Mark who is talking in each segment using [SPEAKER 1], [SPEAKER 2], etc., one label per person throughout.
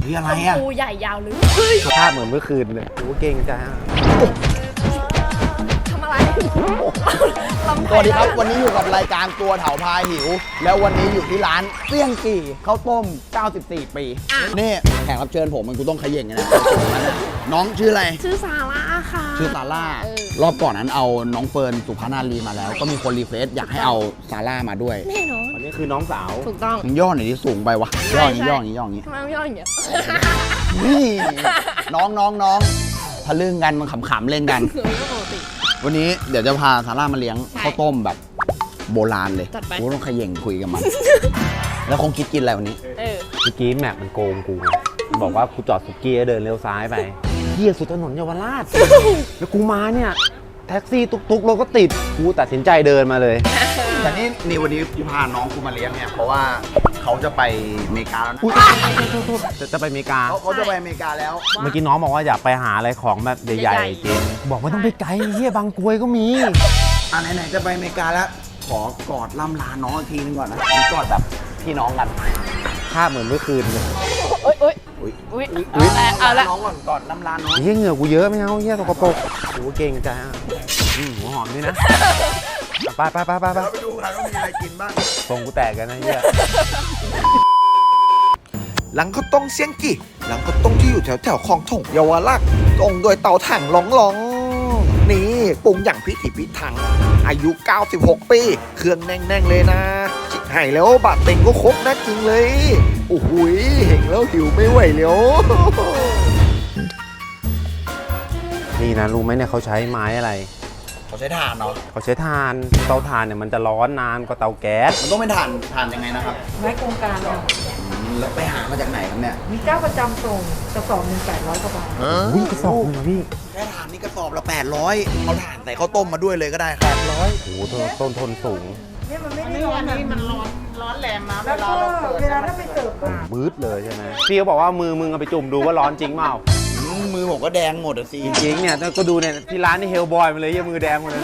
[SPEAKER 1] เฮ้ยอะไรอ่ะ
[SPEAKER 2] ปูใหญ่ยาวลึก
[SPEAKER 3] สภาพเหมือนเมื่อคืนเลยโอ้เก่งจ้า
[SPEAKER 2] ทำอะไรลำ
[SPEAKER 1] สวัสดีครับวันนี้อยู่กับรายการตัวเถาพาหิว แล้ววันนี้อยู่ที่ร้านเตี้ยงกี่ข้าวต้ม 94 ปีนี่แขกรับเชิญผมมันกูต้องเขย่งนะน้องชื่ออะไร
[SPEAKER 2] ชื่อซาร่าค่ะ
[SPEAKER 1] ชื่อซาร่ารอบก่อนนั้นเอาน้องเฟิร์นสุภานารีมาแล้ว ก็มีคนรีเควสอยากให้เอาซาร่ามาด้วย
[SPEAKER 2] แน่นอน
[SPEAKER 3] อันนี้คือน้องสาว
[SPEAKER 2] ถูกต้อง
[SPEAKER 1] มึงย่อหน่อยที่สูงไปวะย่ออย่างนี้ย่ออย่างนี้ย่ออย่างนี้
[SPEAKER 2] ทำไมไม่ย่ออย่างเงี้ย
[SPEAKER 1] นี่น้องทะลึ่งกันมันขำๆเล่นกัน
[SPEAKER 2] คือไม่ปกติ
[SPEAKER 1] วันนี้เดี๋ยวจะพาซาร่ามาเลี้ยง
[SPEAKER 2] ใช่
[SPEAKER 1] ข้าวต้มแบบโบราณเลย
[SPEAKER 2] จัดไป
[SPEAKER 1] กูต้องเขย่งคุยกับมัน แล้วคงคิดกินอะไรวันนี้
[SPEAKER 2] เออ
[SPEAKER 3] เมื่อกี้แม็กมันโกงกูไงบอกว่ากูจอดสุกี้แล้วเดินเลี้ยวซ้ายไปเหี้ยสุดถนนเยาวราช แล้วกูมาเนี่ยแท็กซี่ตุกๆรถก็ติดกูตัดสินใจเดินมาเลย
[SPEAKER 1] แต่นี่วันนี้กูพาน้องกูมาเลี้ยงเนี่ยเพราะว่าเขาจะไปอเมริกาแล้วนะ
[SPEAKER 3] จะไปอเมริกา
[SPEAKER 1] เขาจะไปอเมริกาแล้ว
[SPEAKER 3] เมื่อกี้น้องบอกว่าอยากไปหาอะไรของแบบใหญ่ๆกินบอกว่าต้องไปไกลเฮียบางกรวยก็มี
[SPEAKER 1] ไหนๆจะไปอเมริกาแล้ว ขอกอดล่ำลาน้องอีกทีนึงก่อนนะกอดแบบพี่น้องกัน
[SPEAKER 3] ภาพเหมือนเมื่อคืนเลย
[SPEAKER 2] เอ้ย
[SPEAKER 1] อุ๊ย
[SPEAKER 2] อุ้ยเอาละ
[SPEAKER 1] น้องก่อนกอดล่ำลาน้อง
[SPEAKER 3] เฮียเหงื่อกูเยอะไม่เอาเฮียสกปรกกูเก่งจ้าหัวหอมด้วยนะไป
[SPEAKER 1] เราไปดูกันว่ามีอะไรกินบ้าง
[SPEAKER 3] ทรงกูแตกกันนะเฮีย
[SPEAKER 4] หลังข้าวต้มเสียงกี่หลังข้าวต้มที่อยู่แถวๆคลองถงเยาวราชตรงโดยเตาถ่างหลองๆนี่ปรุงอย่างพิถีพิถันอายุ 96 ปี เครื่องแน่งๆเลยนะจิกให้แล้วบาดเต็งก็ครบนะจริงเลยโอ้โหเห็นแล้วหิวไม่ไหวแล้ว
[SPEAKER 3] นี่นะรู้ไหมเนี่ยเขาใช้ไม้อะไร
[SPEAKER 1] เขาใช้ถ่านเนาะ
[SPEAKER 3] เขาใช้ถ่านเตาถ่านเนี่ยมันจะร้อนนานกว่าเตาแก๊ส
[SPEAKER 1] มันต้องเป็นถ่านยังไงนะครับ
[SPEAKER 5] ไม้โครงการเนี่ย
[SPEAKER 1] แล้วไปหามาจากไหนครับเนี่ย
[SPEAKER 5] มีเจ้าประจำส่งกระสอบหนึ่ง800กว่าบาท
[SPEAKER 3] วิ่งกระสอบเลยนะพี่
[SPEAKER 1] แค่ถ่านนี่กระสอบละ800เอาถ่านใส่ข้าวต้มมาด้วยเลยก็ได้ครับ
[SPEAKER 3] โอ้โหต้นทนสูง
[SPEAKER 5] เนี่ยมันไม่ได้ร้อนนะมันร้อนแรงนะแล้วก็เวลาถ้าไปเสิร์ฟก็
[SPEAKER 3] บืดเลยใช่ไหมพี่เขาบอกว่ามือมึงเอาไปจุ่มดูว่าร้อนจริงเปล่า
[SPEAKER 1] มือผมก็แดงหมดอ่ะสิ
[SPEAKER 3] จริงๆเนี่ยก็ดูเนี่ยที่ร้านนี่เฮลบอยมาเลยเหี้ยมือแดงหมดเลย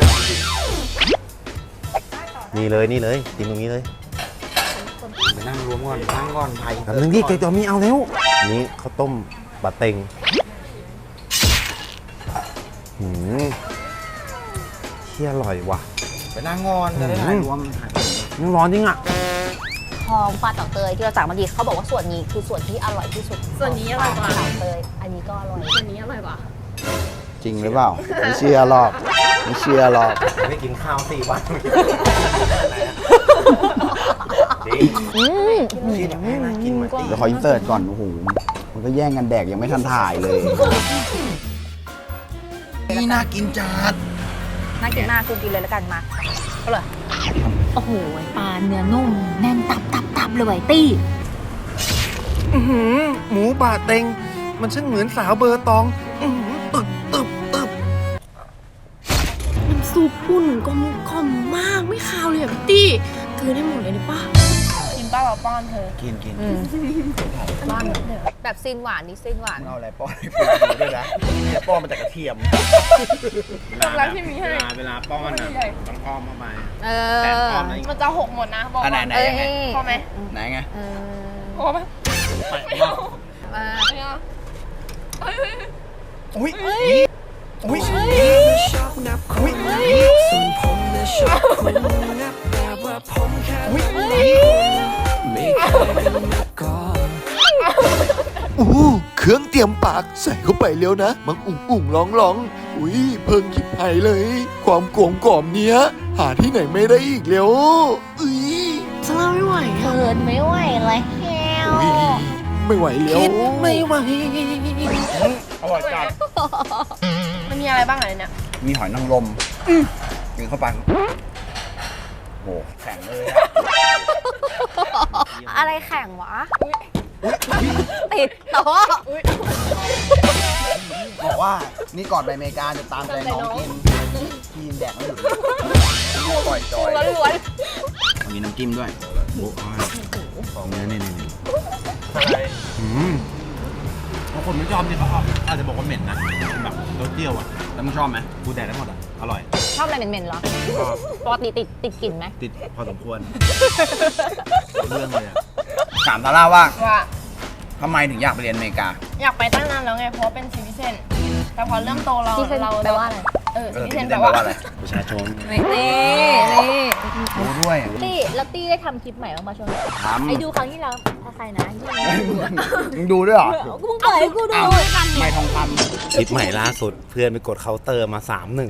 [SPEAKER 3] นี่เลยกินตรงนี้เลย
[SPEAKER 1] ไปนั่งรวมก่อนนั่งก่อนไทย
[SPEAKER 3] แบบนึงที่เกจอมีเอาแล้วนี่ข้าวต้มบะเต็งเที่ยอร่อยว่ะ
[SPEAKER 1] ไปนั่งก่อนจะได้ถ่ายรวม
[SPEAKER 3] ยังร้อนจริงอ่ะ
[SPEAKER 6] ทองปลาเต่าเตยที่เราสั่งมาดีเขาบอกว่าส่วนนี้คือส่วนที่อร่อยที่สุด
[SPEAKER 2] ส่วนนี้อร่อยกว่า
[SPEAKER 6] เต่าเตยอันนี้ก็อร่อย
[SPEAKER 2] ส่วนนี้อร่อยกว่า
[SPEAKER 1] จริงหรือเปล่าไม่เชื่อหรอกไม่เชื่อหรอก
[SPEAKER 3] ไม่กินข้าว4 วัน
[SPEAKER 1] ที่แบบให้น่ากินเหมือนเดี๋ยวขออินเสิร์ตก่อนโอ้โหมันก็แย่งกันแดกยังไม่ทันถ่ายเลยนี่น่ากินจัด
[SPEAKER 6] น่ากินมากกูกินเลยแล้วกันมาก็เลยโอ้โหปลาเนื้อนุ่มแน่นตับเลยตี้
[SPEAKER 4] หมูบาดเต็งมันช่างเหมือนสาวเบอร์ตองตึบ
[SPEAKER 2] น้ำซุปปุ่นกลมกล่อมมากไม่คาวเลยอ่ะพี่ตี้คือได้หมดเลยนี่ป้ากินป้าเราป้อนเธอ
[SPEAKER 1] กิน
[SPEAKER 2] ป้อนเดี๋ยว
[SPEAKER 6] แบบซีนหวานนี่ซีนหวาน
[SPEAKER 1] เอาอะไรป้อนให้ปูด้วยนะเนี่ยป้อนมาจากกระเทียม
[SPEAKER 2] ตรงนั้นที่มีให้
[SPEAKER 3] เวลาป้อนอ่ะต้องอ้อมเข้าไป
[SPEAKER 6] เอ
[SPEAKER 3] แต่
[SPEAKER 6] อ
[SPEAKER 3] อ้อมไหน
[SPEAKER 2] มันจะหกหมดนะบอก
[SPEAKER 1] อันไหน
[SPEAKER 2] ว่า
[SPEAKER 1] ไหน
[SPEAKER 6] เอ้ย
[SPEAKER 1] ยังไง
[SPEAKER 2] พอไหม
[SPEAKER 1] ไหนไง
[SPEAKER 6] เออ
[SPEAKER 2] พอไหมไม่เอา
[SPEAKER 6] มา
[SPEAKER 2] ไม่เอา
[SPEAKER 1] อุ้ยอุ้ย
[SPEAKER 4] อู้เครื่องเตรียมปากใส่เข้าไปเร็วนะมันอุ่งร้องอุ้ยเพิ่งคิดไผ่เลย ความกลมกล่อมเนี้ย หาที่ไหนไม่ได้อีกแล้วอุ้ย
[SPEAKER 2] ซาร่าไม่ไหวอ่ะ
[SPEAKER 6] เขินไม่ไหวเลยแฮว
[SPEAKER 4] อุ้ยไม่ไหวแล้วไม่ไหว
[SPEAKER 1] อร่อยจัด
[SPEAKER 2] มันมีอะไรบ้างอะไรเนี่ย
[SPEAKER 1] มีหอยนางรมกินเข้าไปโอ้แข็งเลยอะ
[SPEAKER 6] อะไรแข่งวะติดโต๊ะ
[SPEAKER 1] บอกว่านี่ก่อนไปอเมริกาจะตามใจน้องกินกินแดกไม่หยุดปล่อยจอย
[SPEAKER 6] ล้วน
[SPEAKER 1] มีน้ำจิ้มด้วยโอ้ยนี่
[SPEAKER 3] บางคนไม่ชอบเนี่ยเขาอาจจะบอกว่าเหม็นนะแบบรสเปรี้ยวอ่ะ
[SPEAKER 1] แล้วมึงชอบไหม
[SPEAKER 3] กูแดกได้หมดอ่ะอร่อย
[SPEAKER 6] ชอบอะไรเหม็นๆเหรอปกติติดกลิ่นไหม
[SPEAKER 3] ติดพอสมควรเรื่องเลยอ่ะ
[SPEAKER 1] ถามซาร่าว่า
[SPEAKER 2] ว่า
[SPEAKER 1] ทำไมถึงอยากไปเรียนอเมริกา
[SPEAKER 2] อยากไปตั้งนานแล้วไง เพราะว่าเป็นซิติเซนแต่พอเริ่มโตเรา
[SPEAKER 6] ที่เซน
[SPEAKER 2] เรา
[SPEAKER 6] แปลว่าอะไร
[SPEAKER 2] ซิติเซนแปลว่าอะไร
[SPEAKER 3] ประชาชน
[SPEAKER 6] นี่
[SPEAKER 1] รู้ด้วย
[SPEAKER 6] ตี้แล้วตี้ได้ทำคลิปใหม่บ้างมาช่วงนี้
[SPEAKER 1] ทำ
[SPEAKER 6] ไอ้ดูครั้งที่แล้วใครนะที่
[SPEAKER 1] มึงดูด้วยเหรอ
[SPEAKER 6] กูเพิ่งเปิดให้กูดู
[SPEAKER 1] อ้าวไม่ทองค
[SPEAKER 3] คลิปใหม่ล่าสุดเพื่อนไปกดเคาน์เตอร์มา 3-1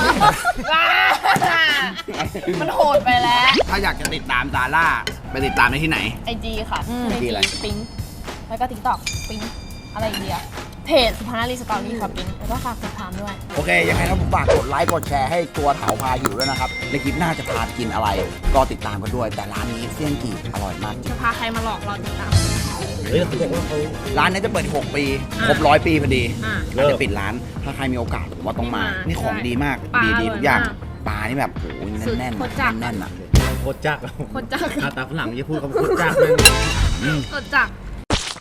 [SPEAKER 2] มันโหดไปแล้ว
[SPEAKER 1] ำถ้าอยากจะติดตามซาร่าไปติดตามได้ที่ไหน
[SPEAKER 2] IG ค่ะ
[SPEAKER 1] IG อะไร
[SPEAKER 2] ปิ๊งแล้วก็ TikTok ปิ๊งอะไรอีกเดียเพจสุภานารีสตอรี่ค่ะปิ๊งแล้วก็ฝากติดตามด้วย
[SPEAKER 1] โอเค ยังไงถ้าผมฝากกดไลค์กดแชร์ให้ตัวเถาพาหิวด้วยนะครับในคลิปหน้าจะพากินอะไร ก็ติดตามกันด้วย แต่ร้านนี้เสี่ยงกี่อร่อยมากจริง
[SPEAKER 2] จะพาใครมาหลอกเราติดตาม
[SPEAKER 1] ร้านนี้จะเปิดอีก6 ปี ครบ100 ปีพอดี
[SPEAKER 2] อ่า
[SPEAKER 1] เราจะปิดร้าน ถ้าใครมีโอกาสผมว่าต้องมา
[SPEAKER 2] ต้องมา
[SPEAKER 1] นี่ของดีมาก
[SPEAKER 2] ปลา
[SPEAKER 1] ดี
[SPEAKER 2] อร่อย
[SPEAKER 1] ทุกอย่าง
[SPEAKER 2] มาก
[SPEAKER 1] ปลานี่แบบโอ้โห
[SPEAKER 2] สุด
[SPEAKER 1] แน่น
[SPEAKER 2] โคตรจัด
[SPEAKER 1] ๆแน่นๆอ่ะ
[SPEAKER 3] โคตรจัก
[SPEAKER 2] โคตรจัก
[SPEAKER 3] ตาฝรั่งอย่าพูดคำโคตรจักเลย
[SPEAKER 2] โคตรจัก